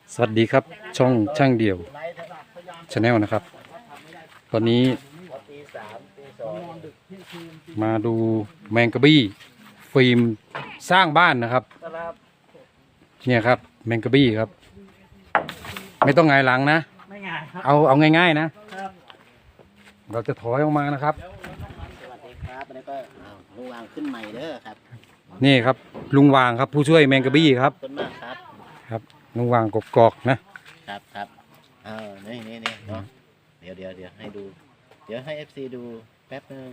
สวัสดีครับช่องช่างเดี่ยวชาแนลนะครับตอนนี้มาดูแมงกะบี้ฟิล์มสร้างบ้านนะครับเนี่ยครับแมงกะบี้ครับไม่ต้องหงายหลังนะไม่ง่ายครับเอาง่ายๆนะเราจะถอยออกมานะครับสวัสดีครับแล้วก็ลุงวางขึ้นใหม่เด้อครับนี่ครับลุงวางครับผู้ช่วยแมงกะบี้ครับขอบคุณมากครับครับลุงวางกอกๆครับนี่เนาะเดี๋ยวให้ดูเดี๋ยวให้ FC ดูแป๊บนึง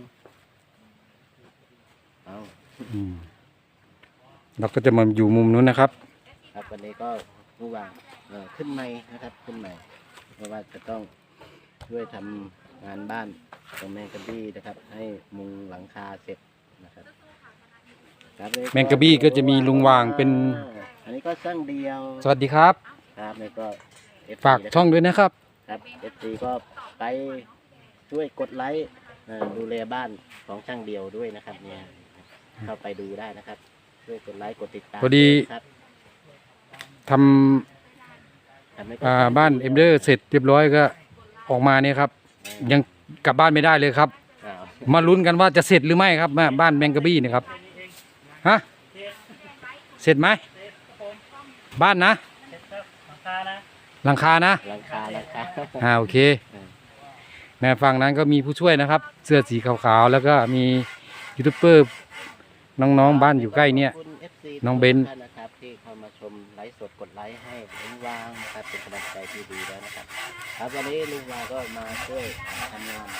เราก็จะมาอยู่มุมนู้นนะครับครับวันนี้ก็ลุงวางขึ้นใหม่นะครับขึ้นใหม่เพราะว่าจะต้องช่วยทำงานบ้านตรงแมงกะบี้นะครับให้มุงหลังคาเสร็จนะครับแมงกะบี้ก็จะมีลุงวางเป็นอันนี้ก็ช่างเดียวสวัสดีครับครับนี่ก็ฝากช่องด้วยนะครับครับ FC ก็ไปช่วยกดไลค์ดูแลบ้านของช่างเดียวด้วยนะครับเนี่ยเข้าไปดูได้นะครับช่วยกดไลค์กดติดตามพอดีทำบ้านเอ็มเดอร์เสร็จเรียบร้อยก็ออกมาเนี่ยครับยังกลับบ้านไม่ได้เลยครับมาลุ้นกันว่าจะเสร็จหรือไม่ครับบ้านแมงกะบี้นี่ครับฮะเสร็จไหมบ้านนะหลังคานะโอเคในฝั่งนั้นก็มีผู้ช่วยนะครับเสื้อสีขาวๆแล้วก็มียูทูบเบอร์น้องๆบ้านอยู่ใกล้เนี่ยน้องเบนนะครับที่เข้ามาชมไลฟ์สดกดไลค์ให้ลุงวางนะครับเป็นกำลังใจที่ดีแล้วนะครับครับวันนี้ลุงวางก็มาช่วยทำงาน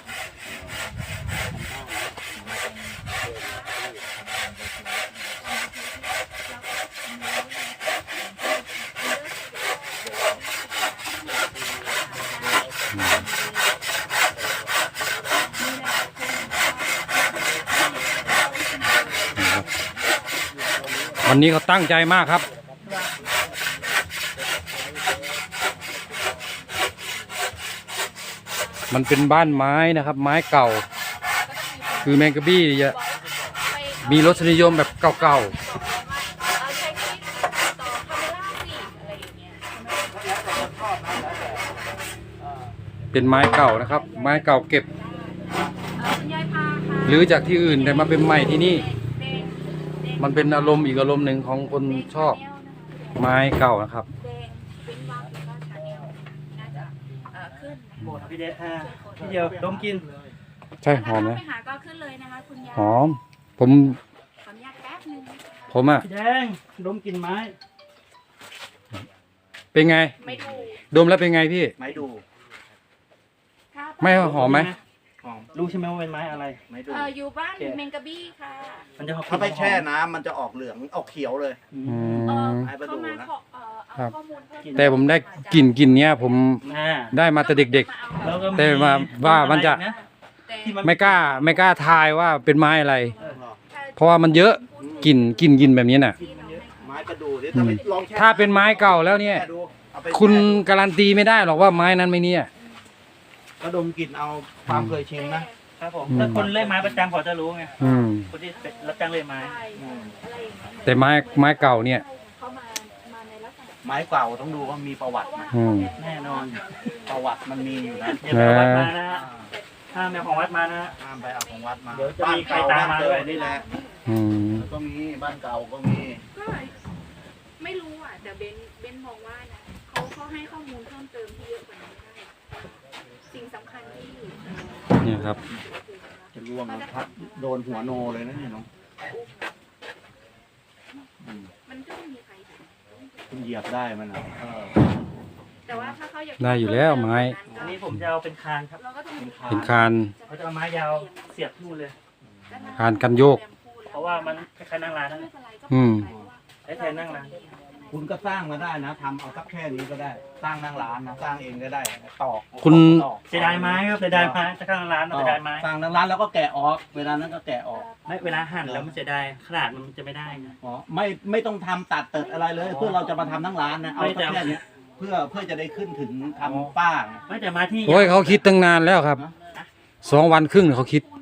วันนี้เขาตั้งใจมากครับมันเป็นบ้านไม้นะครับไม้เก่าคือแมงกะบี้จะมีรสนิยมแบบเก่าๆเป็นไม้เก่านะครับไม้เก่าเก็บหรือจากที่อื่นแต่มาเป็นใหม่ที่นี่มันเป็นอารมณ์อีกอารมณ์หนึ่งของคนชอบไม้เก่านะครับพี่เดชพี่เดียวดมกินใช่หอมไหมหอมผมพี่แดงดมกินไม้เป็นไงดมแล้วเป็นไงพี่ไม้ดูไม่หอมไหมรู้ใช่ไหมว่าเป็นไม้อะไรไม้ดูอยู่บ้านเมงกะบี้ค่ะมันจะถ้าไปแช่น้ำมันจะออกเหลืองออกเขียวเลยเขามาครับแต่ผมได้กลิ่นเนี้ยผมได้มาแต่เด็กๆแต่มาว่ามันจะไม่กล้าทายว่าเป็นไม้อะไรเพราะว่ามันเยอะกลิ่นแบบนี้น่ะไม้กระดูกถ้าเป็นไม้เก่าแล้วเนี่ยคุณการันตีไม่ได้หรอกว่าไม้นั้นไม่เนี่ยก็ดมกลิ่นเอาความเคยชินนะครับผมถ้าคนเล่นไม้ประจำเขาจะรู้ไงคนที่รับจ้างเล่นไม้แต่ไม้เก่าเนี่ยไม้เก่าต้องดูว่ามีประวัติไหมแน่นอนประวัติมันมีอยู่นะเดี๋ยววัดมานะฮะห้ามไปของวัดมานะห้ามไปเอาของวัดมาเดี๋ยวจะมีใครตามมาด้วยนี่แหละก็มีบ้านเก่าก็มีไม่รู้อ่ะแต่เบนมองว่านะเขาให้ข้อมูลเพิ่มเติมที่เยอะกว่านี้ได้สิ่งสำคัญที่เนี่ยครับจะร่วงแล้วพัดโดนหัวโนเลยนะเนี่ยน้องมันก็ไม่มีใครคุณเหยียบได้มันอ่ะแต่ว่าถ้าเขาอยากได้อยู่แล้วไม้อันนี้ผมจะเอาเป็นคานครับเป็นคานเขาจะเอาไม้ยาวเสียบนู่นเลยคานกันโยกเพราะว่ามันคล้ายๆนั่งร้านนั่นใช้แทนนั่งร้านคุณก็สร้างมาได้นะทำเอาสักแค่นี้ก็ได้สร้างนั่งร้านนะสร้างเองก็ได้ตอกคุณเสียดายไม้ครับเสียดายไม้จะสร้างร้านเสียดายไม้สร้างนั่งร้านแล้วก็แกะออกเวลานั้นก็แกะออกไม่เวลาหั่นแล้วมันเสียดายขนาดมันจะไม่ได้ไงอ๋อไม่ต้องทำตัดเติดอะไรเลยเพื่อเราจะมาทำนั่งร้านนะเอาแค่นี้เพื่อจะได้ขึ้นถึงทำป้าไม่แต่มาที่โอ้ยเขาคิดตั้งนานแล้วครับ2 วันครึ่งเขาคิด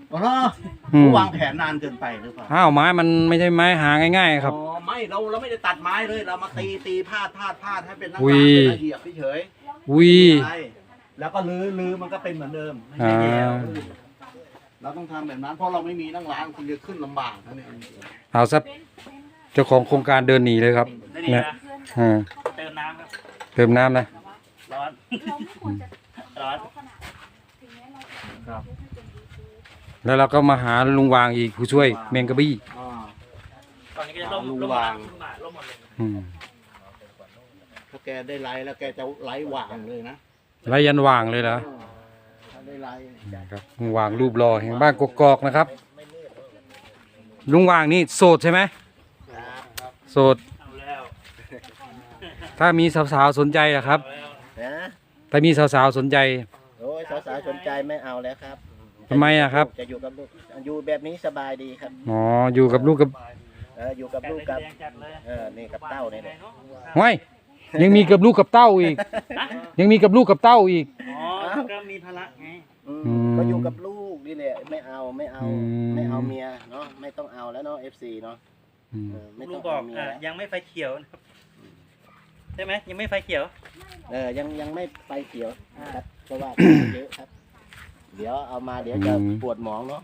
อ๋ออืมวางแผนนานเกินไปหรือเปล่าอ้าวไม้มันไม่ใช่ไม้หาง่ายๆครับอ๋อไม่เราไม่ได้ตัดไม้เลยเรามาตีพาดให้เป็นนั่งอุ้ร้านยเป็นระเบียบเฉยวีใช่แล้วก็ลื้อมันก็เป็นเหมือนเดิมไม่ใช่แย่เราต้องทำแบบนั้นเพราะเราไม่มีนั่งร้านคุณจะขึ้นลำบากนะเนี่ยเอาซะเจ้าของโครงการเดินหนีเลยครับได้ดีเนี่ยนะอ่าเติมน้ำครับเติมน้ำนะร้อนเราไม่ควรจะร้อนขนาดถึงแม้เราจะครับแล้วเราก็มาหาลุงวางอีกผู้ช่วยแมงกะบี้อ่าตอนนี้ก็จะล่มลุงล่มวางล่มหมดเลยอืมถ้าแกได้ไลฟ์แล้วแกจะไลฟ์วางเลยนะไรยันวางเลยเหรอถ้าได้ไลฟ์ครับลุงวางรูปหล่อแห่งบ้านกกอกนะครับ ลุงวางนี่โสดใช่ไหมโสดเอาแล้วถ้ามีสาวๆสนใจอะครับเอาแล้วนะถ้ามีสาวๆสนใจโอ้ยสาวๆสนใจไม่เอาแล้วครับทำไมอะครับจะอยู่กับลูกอยู่แบบนี้สบายดีครับอ๋ออยู่กับลูกกับอยู่กับลูกกับแดงจัดเลยนี่กับเต้านี่แหละห้วยยังมีกับลูกกับเต้าอีก ยังมีกับลูกกับเต้าอีกอ๋อก็มีภาระไงอืมก็อยู่กับลูกนี่แหละไม่เอาไม่เอาอืมไม่เอาเมียเนาะไม่ต้องเอาแล้วเนาะ FC เนาะอืมไม่ลุต้อง งบอเอากเมียยังไม่ไฟเขียวนะครับใช่ไหมยังไม่ไฟเขียวยังไม่ไปเขียวครับเพราะว่า เยอะครับ เดี๋ยวเอามาเดี๋ยวจะปวดหมองเนาะ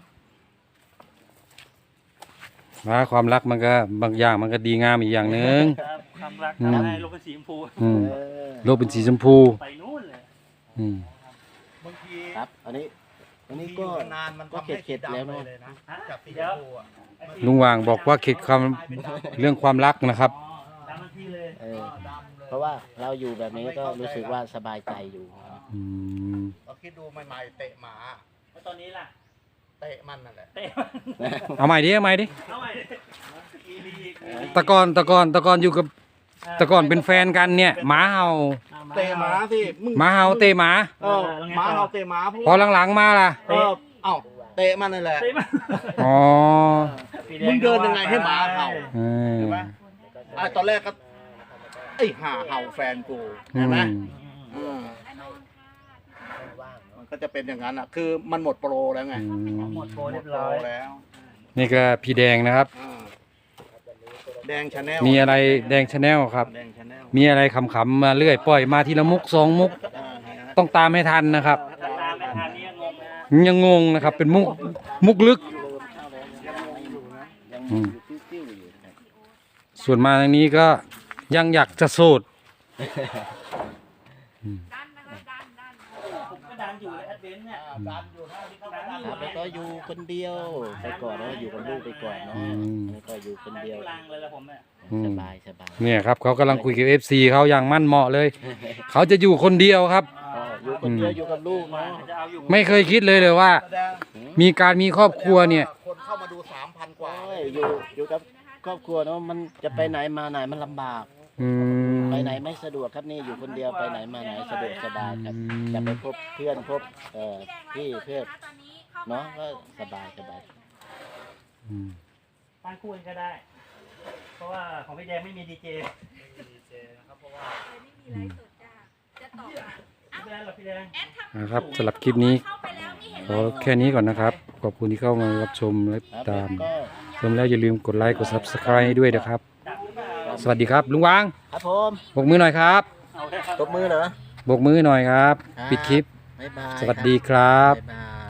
ว่าความรักมันก็บางอย่างมันก็ดีงามอีกอย่างหนึ่งครับความรักอืมทำให้โลกเป็นสีชมพูอืมเออโลกเป็นสีชมพูไปนู่นเลยอืมบางทีครับ อันนี้ก็นานมันก็ทำให้เข็ดๆแล้วเนอะเลยนะฮะจากสีชเดี๋ยวมพูอะลุงวางบอกว่าเข็ดความเรื่องความรักนะครับอ๋อตามหน้าที่เลยเออเพราะว่าเราอยู่แบบนี้ก็รู้สึกว่าสบายใจอยู่อืมเราคิดดูใหม่ๆเตะหมาแล้วตอนนี้ล่ะเตะมันนั่นแหละเตะเอาใหม่ดิเอาใหม่ดิเอาใหม่อีลีอีกแตะกอนอยู่กับแตะกอนเป็นแฟนกันเนี่ยหมาเห่าเตะหมาสิมึงหมาเห่าเตะหมาเออหมาเราเตะหมาพวกพอหลังๆมาล่ะเออเอ้าเตะมันนั่นแหละเตะมาอ๋อมึงเดินยังไงให้หมาเห่าเออเห็นไหมตอนแรกก็ไอ้ห่าเห่าแฟนกูอืเห็นไหมมอืมมันก็จะเป็นอย่างนั้นอ่ะ คือมันหมดโปรแล้วไงอืมหมดโปรหมเรียดบโปรร้อยแล้วนี่ก็พี่แดงนะครับอ่าแดงชาแนลมีอะไรแดงชาแนลครับแดงชาแนลมีอะไรขำๆมาเรื่อยปล่อยมาทีละมุกสองมุก ต้องตามให้ทันนะครับถ้าตามไม่ทันนี่งงนะยังงงนะครับ เป็นมุกลึกยังอืมอยู่ติ้วๆอยู่ครับส่วนมาทางนี้ก็ยังอยากจะโสดดันนะคะดันผมก็ดันอยู่เลยแอดเวนต์เนี่ยดันอยู่นะที่เขาดันดันอครับแล้วก็อยู่คนเดียวไปก่อนเนาะอยู่กับลูกไปก่อนเนาะอืมแล้วก็อยู่คนเดียวลังเลยละผมเนี่ยอืมสบายสบายเนี่ยครับเขากำลังคุยกับ FC เขาอย่างมั่นเหมาะเลย เขาจะอยู่คนเดียวครับก็อยู่คนเดียวอยู่กับลูกเนาะจะเอาอยู่ไม่เคยคิดเลยว่าแสดงมีการมีครอบครัวเนี่ยคนเข้ามาดู 3,000 กว่าโอ้ยอยู่กับครอบครัวเนาะมันจะไปไหนมาไหนมันลำบากอืมไปไหนไม่สะดวกครับนี่อยู่คนเดียวไปไหนมาไหนสะดวกสบายครับอืมจะไปพบเพื่อนพบพี่เพื่อนตอนนี้เข้าเนาะก็สบายสบายอืมตั้งคู่กันก็ได้ เพราะว่าของพี่แดงไม่มีดีเจไม่มีไลฟ์สดจ้าจะตอบอ่ะไม่เป็นไรหรอกพี่แดงแอดทำนะครับสำหรับคลิปนี้เข้าไปแล้วไม่เห็นขอแค่นี้ก่อนนะครับ ขอบคุณที่เข้ามารับชมและครับตามก็ชมแล้วอย่าลืมกดไลค์กด Subscribe ให้ด้วยนะครับ สวัสดีครับ ลุงวางครับผมบกมือหน่อยครับเอาเลยครับตบมือเหรอบกมือหน่อยครับครับปิดคลิปบ๊ายบายสวัสดีครับบ๊ายบาย